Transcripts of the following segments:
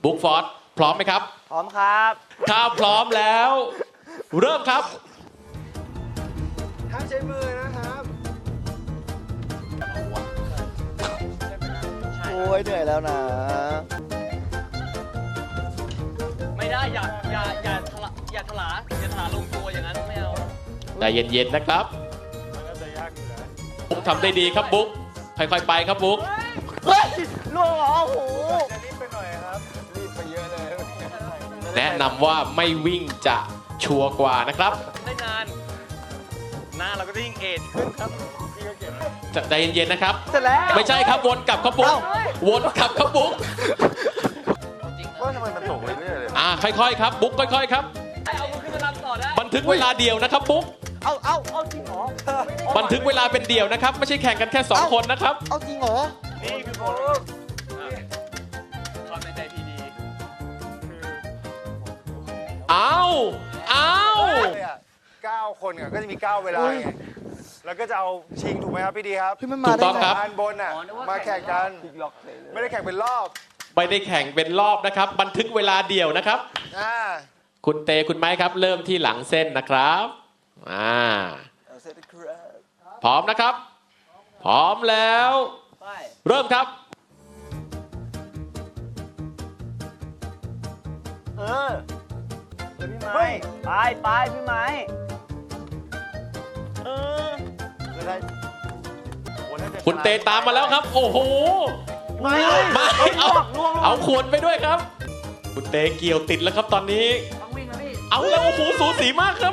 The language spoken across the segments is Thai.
บุ๊กฟอร์ดพร้อมไหมครับพร้อมครับถ้าพร้อมแล้ว เริ่มครับห้ามใช้มือนะครับโอ้ยเหนื่อยแล้วนะไม่ได้อย่าถลาอย่าถลาลงตัวอย่างนั้นไม่เอาใจเย็นๆนะครับมันก็จะยากอยู่แล้วบุ๊กทำได้ดีครับบุ๊กค่อยๆไปครับบุ๊กเฮ้ยล่วงเหรอโอ้โหจะรีบไปหน่อยครับ รีบไปเยอะเลยแนะนำว่าไม่วิ่งจะชัวร์กว่านะครับได้นานหน้าเราก็จะยิ่งเอจขึ้นครับใจเย็นๆนะครับเสร็จแล้วไม่ใช่ครับวนกลับครับบุ๊กวนกลับครับบุ๊กว่าทำไมมันตกเรื่อยๆเลยค่อยๆครับบุ๊กค่อยๆครับเอามือขึ้นมารับต่อได้บันทึกเวลาเดียวนะครับบุ๊กเอาจริงเหรอบันทึกเวลาเป็นเดี่ยวนะครับไม่ใช่แข่งกันแค่2คนนะครับเอาจริงเหรอนี่คือโบลูความในใจพีดีเอา 9 คนก็จะมี 9 เวลาไง แล้วก็จะเอาชิงถูกไหมครับพี่ดีครับเฮ้ยมันถูมาก ได้ต้องไงครับอันบนน่ะ มาแข่งกัน ไม่ได้แข่งเป็นรอบไม่ได้แข่งเป็นรอบนะครับ บันทึกเวลาเดี่ยวนะครับ คุณเตคุณไม้ครับ เริ่มที่หลังเส้นนะครับพร้อมนะครับ พร้อมแล้วไปเริ่มครับพี่ไม้ไปพี่ไม้คุณเตตามมาแล้วครับ โอ้โหไม่มาเอาขวดไปด้วยครับ คุณเตเกี่ยวติดแล้วครับตอนนี้ต้องวิ่งนะพี่เอาแล้วโอ้โหสูสีมากครับ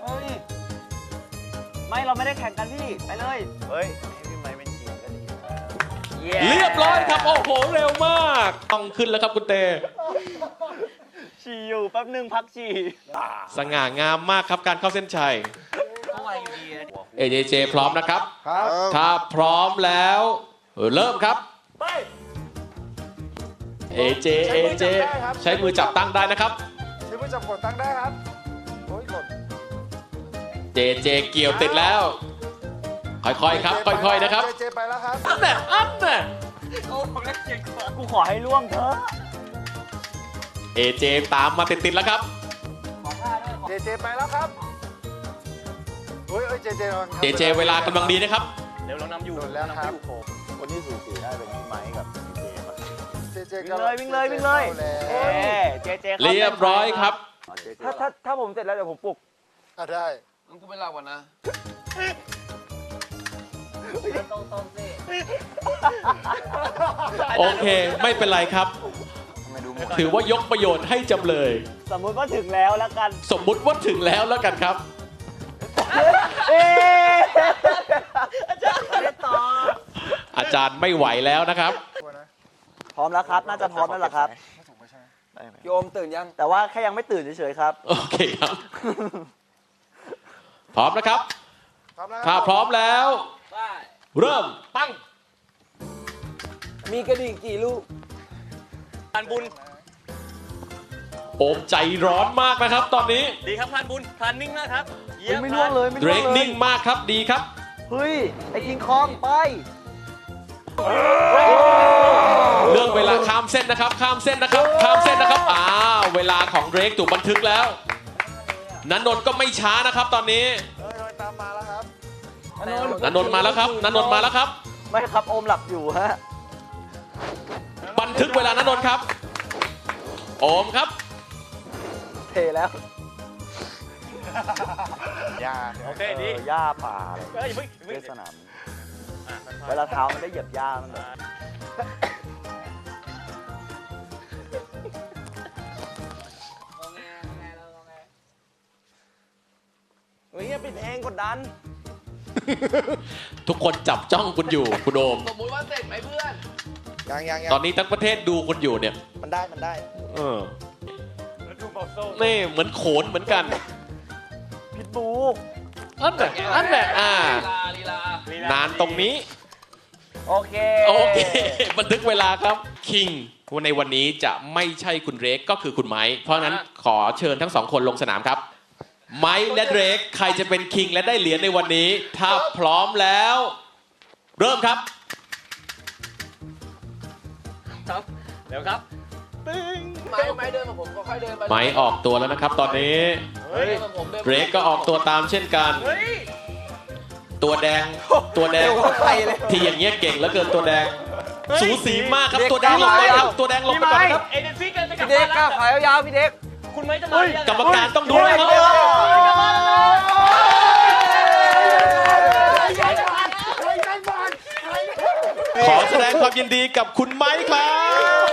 ไม่เราไม่ได้แข่งกันพี่ ไปเลยเฮ้ยพี่ไม้เป็นชิงก็ดีเรียบร้อยครับโอ้โหเร็วมากต้องขึ้นแล้วครับคุณเตฉี่อยู่แป๊บนึงพักฉี่สง่างามมากครับการเข้าเส้นชัยก็ไวอยู่ดี AJJ พร้อมนะครับครับถ้าพร้อมแล้วเริ่มครับไป AJ ใช้มือจับตั้งได้นะครับใช้มือจับกดตั้งได้ครับ โอ้ยหล่น JJ เกี่ยวติดแล้ว ค่อยๆครับ ค่อยๆนะครับเจไปแล้วครับอันน่ะโอ้ผมได้เกียรติกว่ากูขอให้ล่วงเถอะ AJ ตามมาติดๆแล้วครับเจไปแล้วครับโอ้ยเจนอน JJ เวลากำลังดีนะครับเดี๋ยวเรานำอยู่โดนแล้วครับคนที่สูสีได้เป็นพี่ไม้กับพี่เจมส์อะเจวิ่งเลยวิ่งเลยเอ้ยเจเรียบร้อยครับอ๋อเจเจถ้าผมเสร็จแล้วเดี๋ยวผมปลุกได้มึงกูไม่เล่าก่อนนะโอเค ไม่เป็นไรครับทำไมดูหมดถือว่ายกประโยชน์ให้จำเลยสมมุติว่าถึงแล้วแล้วกันสมมุติว่าถึงแล้วแล้วกันครับเอ๊ะอาจารย์ไม่ต่ออาจารย์ไม่ไหวแล้วนะครับพร้อมแล้วครับ น่าจะพร้อมแล้วล่ะครับได้ไหมโยมตื่นยัง แต่ว่าแค่ยังไม่ตื่นเฉยๆครับโอเคครับ พร้อมนะครับพร้อมแล้วถ้าพร้อมแล้วไปเริ่มปั้งมีกระดิ่งกี่ลูกทานบุญโอมใจร้อนมากนะครับ ตอนนี้ดีครับทานบุญทานนิ่งมากครับเยี่ยมไม่ล่วงเลยไม่เดรล่วงกเลยนิ่งมากครับดีครับเฮ้ย ไอ้กิงคองไปเรื่องเวลาข้ามเส้นนะครับ ข้ามเส้นนะครับ ข้ามเส้นนะครับเวลาของเดรกถูกบันทึกแล้วนันนนท์ก็ไม่ช้านะครับ ตอนนี้ตามมาแล้วครับนันนนท์มาแล้วครับนันนนท์มาแล้วครับไม่ครับโอมหลับอยู่ฮะบันทึกเวลานันนนท์ครับ โอมครับเทแล้วยาโอเคดีหญ้าป่าเลยเฮ้ยเฮ้ยเวเฮ้ยสนามเวลาเท้ามันได้เหยียบหญ้ามันเลย เฮ้ยปิดเองกดดันทุกคนจับจ้องคุณอยู่คุณโอมสมมุติว่าเสร็จไหมเพื่อนยังตอนนี้ทั้งประเทศดูคุณอยู่เนี่ยมันได้เออแล้วดูเบาโซ่นี่เหมือนโขนเหมือนกันพิทบูอันแหละลีลานานตรงนี้โอเคโอเค บันทึกเวลาครับ คิงในวันนี้จะไม่ใช่คุณเรกก็คือคุณไม้ เพราะฉะนั้นขอเชิญทั้งสองคนลงสนามครับ ไม้และเรกใครจะเป็นคิงและได้เหรียญในวันนี้ ถ้าพร้อมแล้ว เริ่มครับครับเดี๋ยวครับไม้เดินมาผมค่อยๆเดินไปไม้ออกตัวแล้วนะครับ ตอนนี้เฮ้ยผมเดินเดรกก็ออกตัวตามเช่นกันเฮ้ยตัวแดงที่อย่างเงี้ยเก่งแล้วเกินตัวแดง สูสีมากครับตัวแดงลงไปครับตัวแดงลงไปก่อนครับเอเดนซี่กันจะกลับพี่เด็บ้าก นก้าแล้ววขายาวๆพี่เด็กคุณไม้จะมาหรือยังกรรมการต้องดูนะครับกลับบ้านแล้วขอแสดงความยินดีกับคุณไม้ครับ